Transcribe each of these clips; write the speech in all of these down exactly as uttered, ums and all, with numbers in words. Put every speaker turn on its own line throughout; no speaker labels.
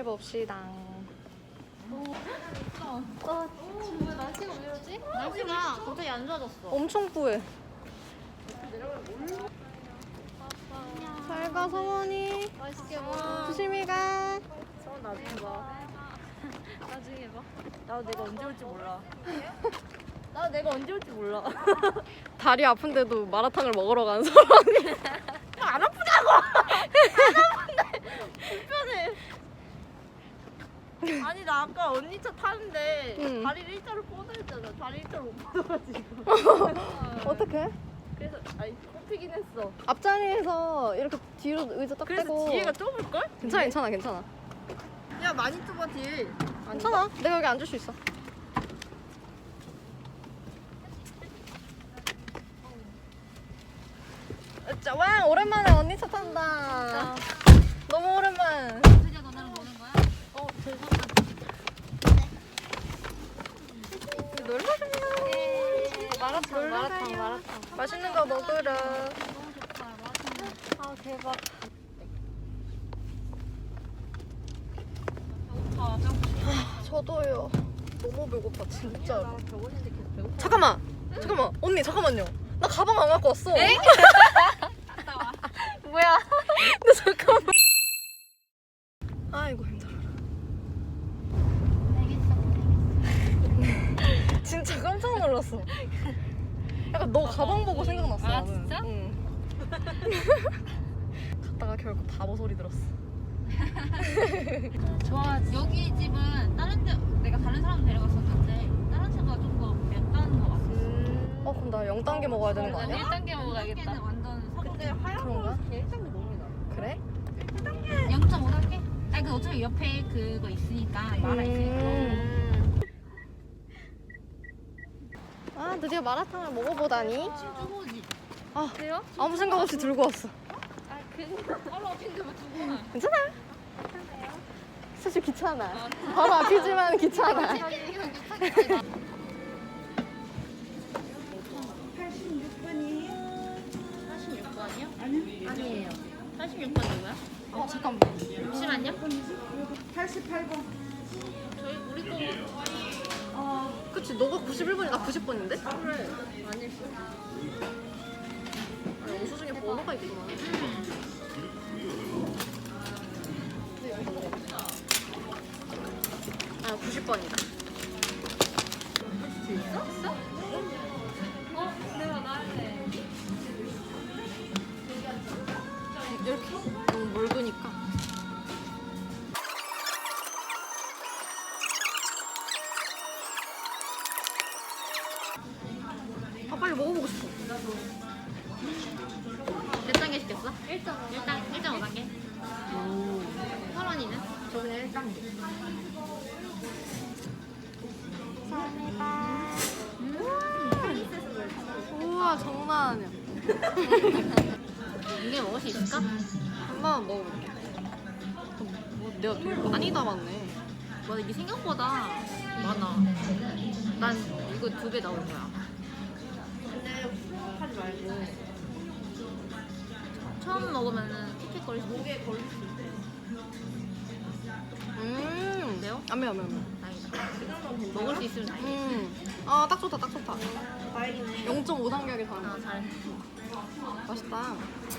봅시다.
어, 왜 날씨가 왜 이러지? 날씨가 갑자기 안 좋아졌어.
엄청 뿌해. 잘 가, 성원이.
맛있게 먹어.
조심히 가.
서원 나중에 봐.
나중에 봐.
나도 내가 언제 올지 몰라. 나도 내가 언제 올지 몰라.
다리 아픈데도 마라탕을 먹으러 가는 사람이.
안 아프냐고! 안 아픈데! 불편해. 아니 나 아까 언니 차 타는데
응.
다리를 일자로 뻗어했잖아. 다리 일자로 못 뻗어가지고.
어떡해?
그래서 아니 꼽히긴 했어.
앞자리에서 이렇게 뒤로 의자 딱
그래서
대고.
뒤에가 좁을걸?
괜찮아, 괜찮아, 괜찮아.
야 많이 좁아 뒤에.
괜찮아. 내가 여기 앉을 수 있어. 자, 와, 오랜만에 언니 차 탄다. 너무 오랜만.
드디어 너네랑 노는 거야?
어, 죄송합니다. 놀러 가요.
마라탕,
마라탕,
마라탕.
맛있는 거 먹으러.
너무 좋다. 마라탕.
아, 대박. 아, 저도요. 너무 배고파, 진짜로.
저번인데 계속 배고파.
잠깐만! 잠깐만! 언니, 잠깐만요. 나 가방 안 갖고 왔어.
에?
뭐야? 근데 잠깐만. 아이고, 힘들어.
알겠어.
진짜 깜짝 놀랐어. 약간 너 가방 보고 생각났어.
아,
나는.
진짜?
응. 갔다가 결국 바보 소리 들었어.
좋아. 여기 집은 다른 데 내가 다른 사람 데려갔었는데 다른 집보다 좀 더 맵다는 거 같아.
어, 그럼 나 영 단계 먹어야 되는 거 아니야?
일 단계 먹어야겠다. 완전
근데
사고.
하얀
그런가?
거 일 단계 너무 나.
그래?
영 점 오 단계? 아니 그 어차피 옆에 그거 있으니까 마라 있으니까.
음. 아, 드디어 마라탕을 먹어보다니.
쭈보지.
아,
그래요?
아무 생각 없이 들고 왔어.
아 그니까 바로 앞인데 뭐 두고 가.
괜찮아? 사실 귀찮아. 바로 앞이지만 귀찮아.
사십육 번이요? 아니요. 아니에요. 사십육 번 누구야?
어, 잠깐만.
잠시만요.
팔십팔 번.
저희 우리 거
그치, 너가 구십일 번이 나 구십 번인데?
그래. 아닐 걸.
아니, 영수증에 번호가 있구나. 아, 구십 번이다.
있어? 있어? 어? 내가 나한테.
이렇게 너무 멀으니까. 아, 빨리 먹어보고 싶어.
몇 단계 시켰어? 일 점 오. 일 단, 일 점 오 단계? 설원이는?
저번에 일 단계.
우와, 장난 아니야.
이게 먹을 수 있을까?
한 번만 먹어볼게. 뭐, 내가 되게 많이 담았네.
맞아, 이게 생각보다 많아. 난 이거 두 배 나올 거야.
근데 하지 말고
처음 먹으면은 킥킥거릴 수 있어.
목에 걸릴 수 있대.
음.
매워?
안 매워, 안 매워. 안 매워.
다행이다.
그 정도는 괜찮아?
먹을 수 있으면 다행이다.
음. 아, 딱 좋다, 딱 좋다.
다행이네.
영 점 오 단계 하기
아,
잘해.
잘해.
맛있다.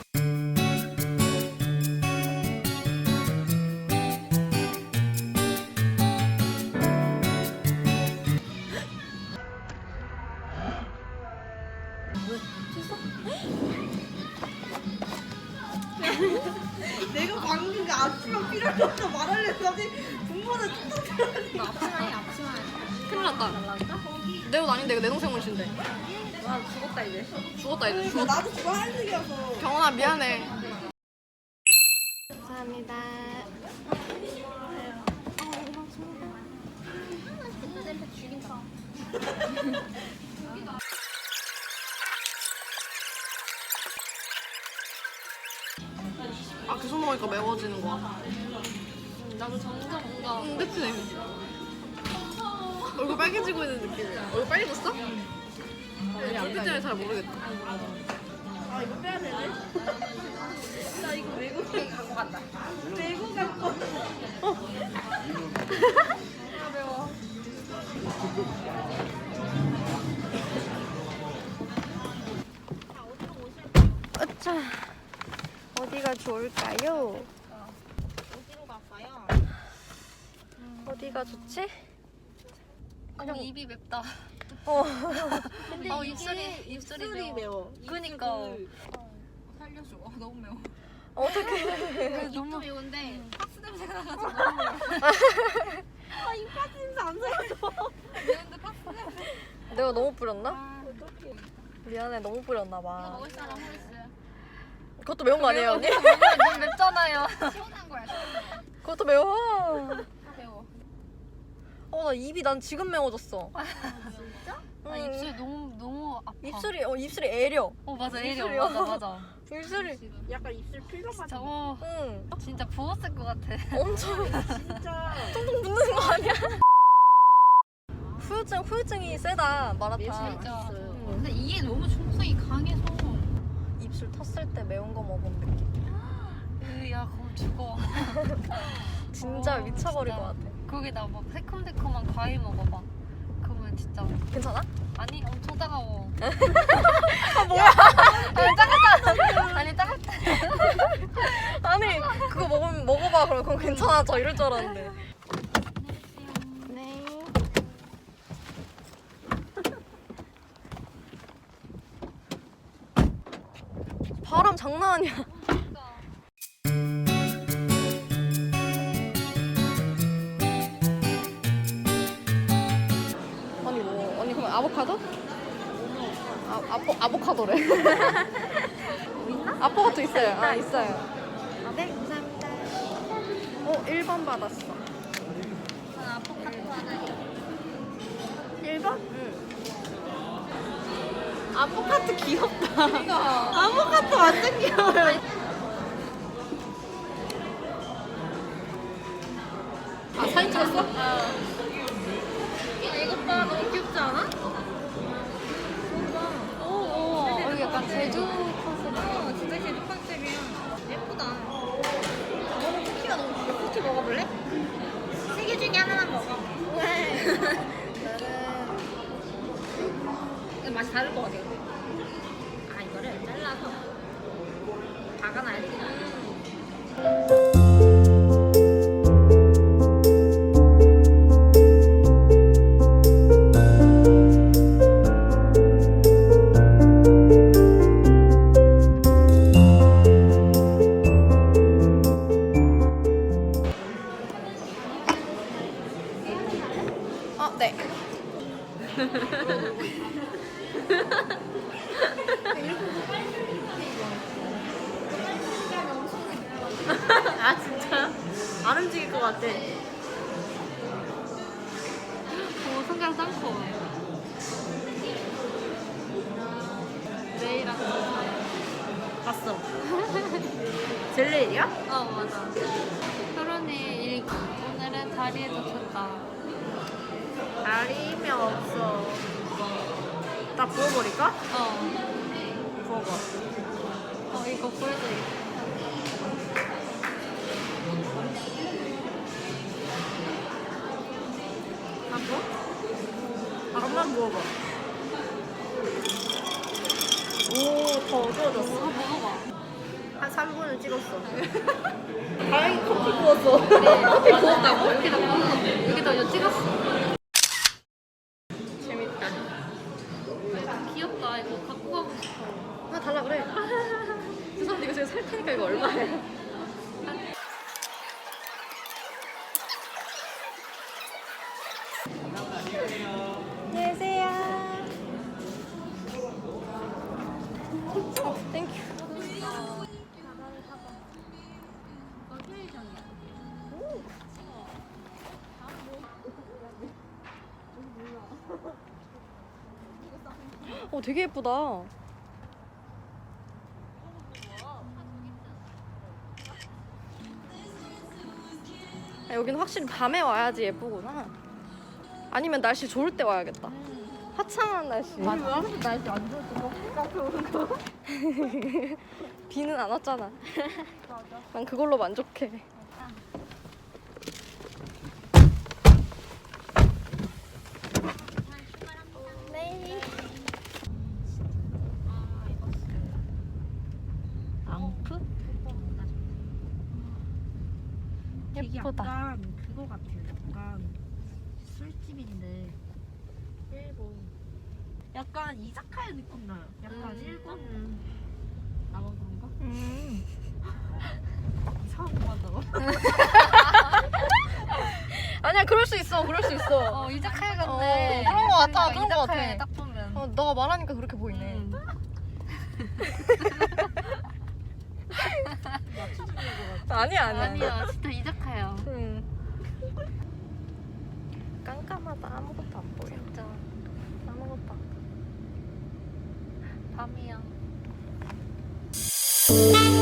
내가 방금 그 앞치마 필요해서 말하려고 하지 분모는 뚝뚝 필요하니.
너 앞치마해, 앞치마해.
큰일 났다. 내 옷 아닌데, 이거 내 동생 옷인데.
와 죽었다 이제.
죽었다, 이제.
그러니까
죽었다.
나도 그거 하얀색이어서.
경원아, 미안해. 감사합니다.
냄새 죽인다.
아, 계속 먹으니까 매워지는 거야.
나도 점점 뭔가
응, 그치? 얼굴 빨개지고 있는 느낌이야. 얼굴 빨개졌어?
안
불빛 때문에 잘 모르겠다.
맞아.
아 이거 빼야 되네. 나 이거 외국에 갖고 간다. 외국 갖고. 어.
아 매워. 어차 어디가 좋을까요?
어디로 갈까요?
어디가 좋지?
그냥 입이 맵다.
어.
근데
어,
이게
입술이- 입술이 매워.
매워.
그니까.
살려줘. 아, 너무 매워.
어떻게?
너무 매운데 팍스 냄새가 나가지고 너무 매워.
아 입까지 진짜 안 살려줘.
매운데 팍스 냄새.
내가 너무 뿌렸나?
아,
미안해 너무 뿌렸나
이거
봐.
먹을 사람 홀스.
그것도 매운 거 아니에요 언니?
너무 맵잖아요. 시원한 거야, 시원한 거.
그것도 매워.
다 매워.
어 나 입이 난 지금 매워졌어.
진짜?
응.
아, 입술이 너무 너무 아파.
입술이 어 입술이 애려.
어 맞아,
입술이요.
애려. 맞아, 맞아.
입술이.
약간 입술 필러
진짜
같은.
어,
응.
진짜 부었을 것 같아.
엄청
진짜.
퉁퉁 붓는 거 아니야? 후유증 후유증이 세다 마라탕.
진짜.
응.
근데 이게 너무 중성이 강해서.
입술 텄을 때 매운 거 먹은 느낌.
으야, 그럼 죽어.
진짜
어,
미쳐버릴
진짜.
것 같아.
거기다 막 새콤새콤한 과일 먹어봐. 그러면 진짜
괜찮아?
아니 엄청 따가워.
아 뭐야?
아니 따갑다. 아니 따갑다.
아니 그거 먹으면 먹어봐 그럼 그럼 괜찮아져 이럴 줄 알았는데. 네. 바람 장난 아니야. 아니 뭐 언니 그럼 아보카도? 아 아보 아보카도래. 있나? 아보카도 있어요. 아 있어요.
아, 네 감사합니다.
어 일 번 받았어.
저는 아포카도 하나요.
일 번? 응. 아보카도 귀엽다. 아보카도 완전 귀여워요. 아 사진 찍었어?
야 이거 봐, 너무 귀엽지 않아? 오, 오. 여기 약간 제주 컨셉. 어, 진짜 제주 컨셉이야. 예쁘다. 너무 쿠키가 너무 귀여워. 쿠키 먹어볼래? 세 개 중에 하나만 먹어.
왜?
이거 맛이 다를 것 같아. 아, 이거를 잘라서 박아놔야지.
아 네.
아 진짜? 안 움직일 것 같아.
오, 성장 짱커. 레이랑
봤어. 젤레이야?
어, 맞아. 토론이 일기. 오늘은 다리에 다쳤다.
다리면 없어. 나 부어버릴까?
어.
부어봐.
어, 이거 보여줘야겠다.
안 부어? 잠깐만 부어봐. 오, 더 어두워졌어.
이거 먹어봐.
한 삼 분을 찍었어. 다행히 커피 부었어.
커피 부었다고? 여기다 부었어. 여기다 이거 찍었어.
재밌다.
귀엽다. 이거 갖고 가고 싶어.
하나 달라 그래. 죄송한데 이거 제가 살 테니까 이거 얼마예요? 안녕하세요. 어, 땡큐. 어, 되게 예쁘다. 아, 여기는 확실히 밤에 와야지 예쁘구나. 아니면 날씨 좋을 때 와야겠다. 화창한 날씨.
우리 왜 하면서 날씨 안 좋을 때 카페 오는 거?
비는 안 왔잖아.
맞아.
난 그걸로 만족해. 네.
앙프? 되게
예쁘다.
약간 그거 같아요. 약간 술집인데 일본. 약간 이자카야 느낌 나요. 약간
음.
일본. 나만 그런가?
음.
이상한 거 한다고?
아니야, 그럴 수 있어. 그럴 수 있어.
어 이자카야
어,
같네.
그런 거 같아.
그러니까
그런 거 같아.
이자카야에 딱 보면.
어, 너가 말하니까 그렇게 보이네.
음.
아니야, 아니야.
아니야 진짜 이자카야.
응. 깜깜하다. 아무것도 안 보여.
진짜
아무것도 안 보여.
밤이야.